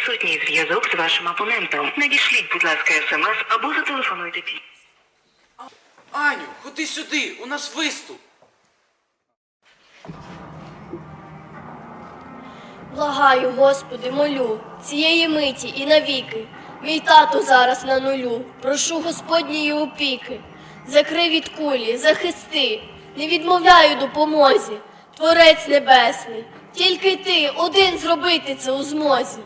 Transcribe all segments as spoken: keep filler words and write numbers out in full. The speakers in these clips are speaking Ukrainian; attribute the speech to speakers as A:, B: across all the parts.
A: Відсутній зв'язок з вашим абонентом. Надішліть, будь ласка, смс або зателефонуйте пі.
B: Аню, ходи сюди, у нас виступ.
C: Благаю, Господи, молю, цієї миті і навіки. Мій тато зараз на нулю. Прошу Господньої опіки. Закрий від кулі, захисти. Не відмовляю допомозі. Творець небесний. Тільки ти один зробити це у змозі.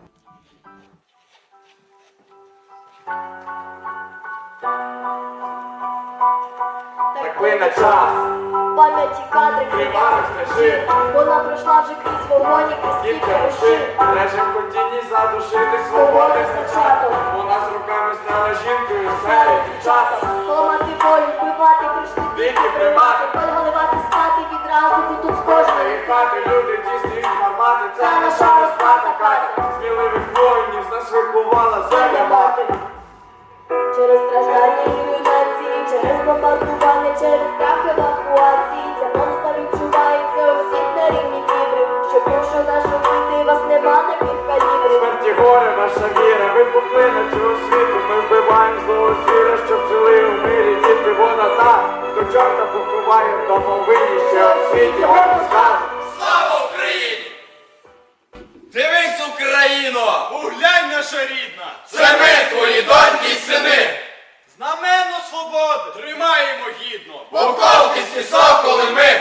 D: Так плине час,
C: Пам'яті кадри
D: кривавих стежин,
C: вона пройшла вже крізь вогонь і крізь
D: скільки
C: кілька
D: рушин,
C: рушин.
D: лежить в хотінні задушити свободи зачаток. Вона з руками стала жінкою, серед дівчаток.
C: Ламати волю, вбивати, прийшли
D: Дикі примати,
C: Поливати спати відразу, бо тут з кожної
D: і хати люди дійсні гармати. Це наша розпата Катя, сміливих воїнів з нас виховала земля мати.
C: Через страждання і руйнації, через бомбардування, через страх евакуації. Ця помста відчувається у всіх на рівні фібри. Щоб якщо наші діти вас нема на під калібрів.
D: Смерті горе, ваша віра, вибухли на цього світу. Ми вбиваємо злого звіра, щоб жили у мирі. Діти, вона та, хто чорта поховає в домовині, ще у світі гордо скаже.
B: Слава Україні! Дивись, Україно! Углянь, наша рідна! Це ми, твої доньки й сини! Знаменно свободи! Тримаємо гідно! Буковківські соколи ми!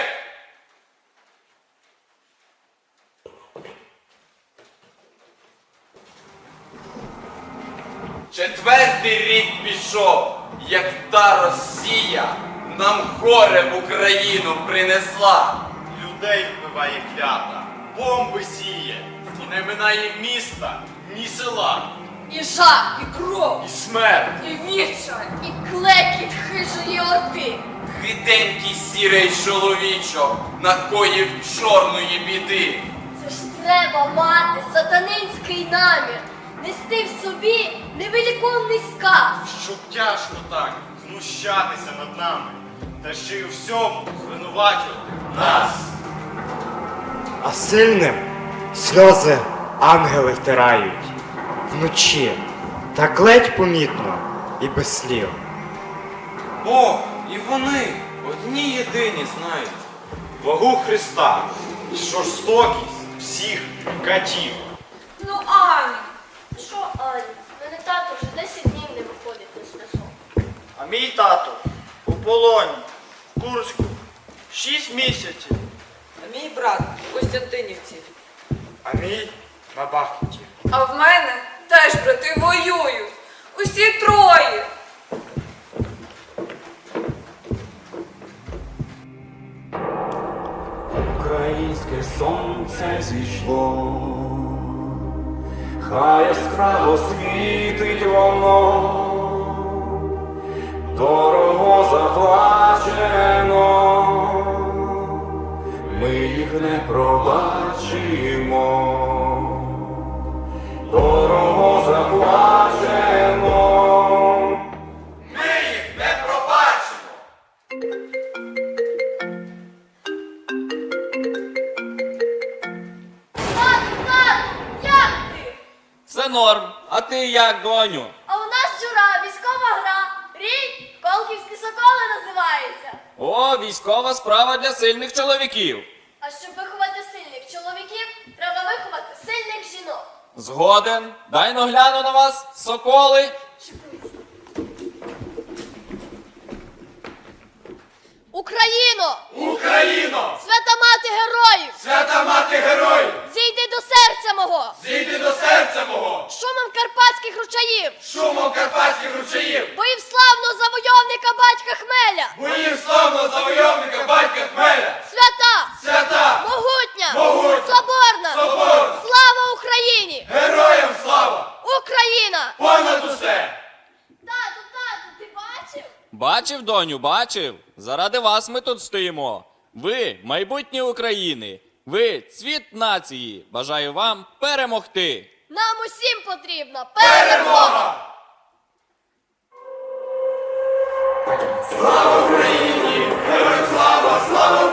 B: Четвертий рік пішов, як та Росія нам горе в Україну принесла. Людей вбиває клята, бомби сіє, і не минає міста, ні села,
C: І жах, і кров,
B: і смерть.
C: і віча, і клекіт хижої орди.
B: Хитенький сірий чоловічок накоїв чорної біди.
C: Це ж треба мати сатанинський намір, нести в собі невеликовний сказ.
E: Щоб тяжко так знущатися над нами, та ще й у всьому звинувачувати нас.
F: А сильним сльози ангели втирають вночі, так ледь помітно і без слів.
E: Бог і вони одні єдині знають вагу Христа і жорстокість всіх катів.
C: Ну, Аня, що Аня? Мене тато вже десять днів не виходить на зв'язок.
G: А мій тато у полоні, в Курську, шість місяців.
H: А мій брат у Костянтинівці.
F: А мій на Бахмуті.
H: А в мене теж брати воюють. Усі троє.
I: Українське сонце зійшло, хай яскраво світить воно, дорого заплачено, ми їх не пробачимо, дорого заплачено.
B: Ми їх не пробачимо.
C: Тату, тату, як ти?
J: Все норм. А ти як, доню?
C: А у нас вчора військова гра. Рій Колківські соколи називається.
J: О, військова справа для сильних чоловіків.
C: А щоб виховати сильних чоловіків, треба виховати сильних жінок.
J: Згоден. Дай но гляну на вас, соколи.
C: Україно!
B: Україно!
C: Свята мати героїв!
B: Свята мати героїв!
C: Зійди до серця мого!
B: Зійди до серця мого!
C: Шумом карпатських ручаїв!
B: Шумом карпатських ручаїв!
C: Боїв славного завойовника батька Хмеля!
B: Боїв славного завойовника батька Хмеля!
C: Свята!
B: Свята!
C: Могутня!
B: Могутня!
C: Соборна!
B: Соборна!
C: Слава Україні!
B: Героям слава!
C: Україна!
B: Понад усе!
C: Тату, тату, ти бачив?
J: Бачив, доню, бачив. Заради вас ми тут стоїмо. Ви майбутнє України. Ви цвіт нації. Бажаю вам перемогти.
C: Нам усім потрібна перемога!
B: Слава Україні! Героям слава! Слава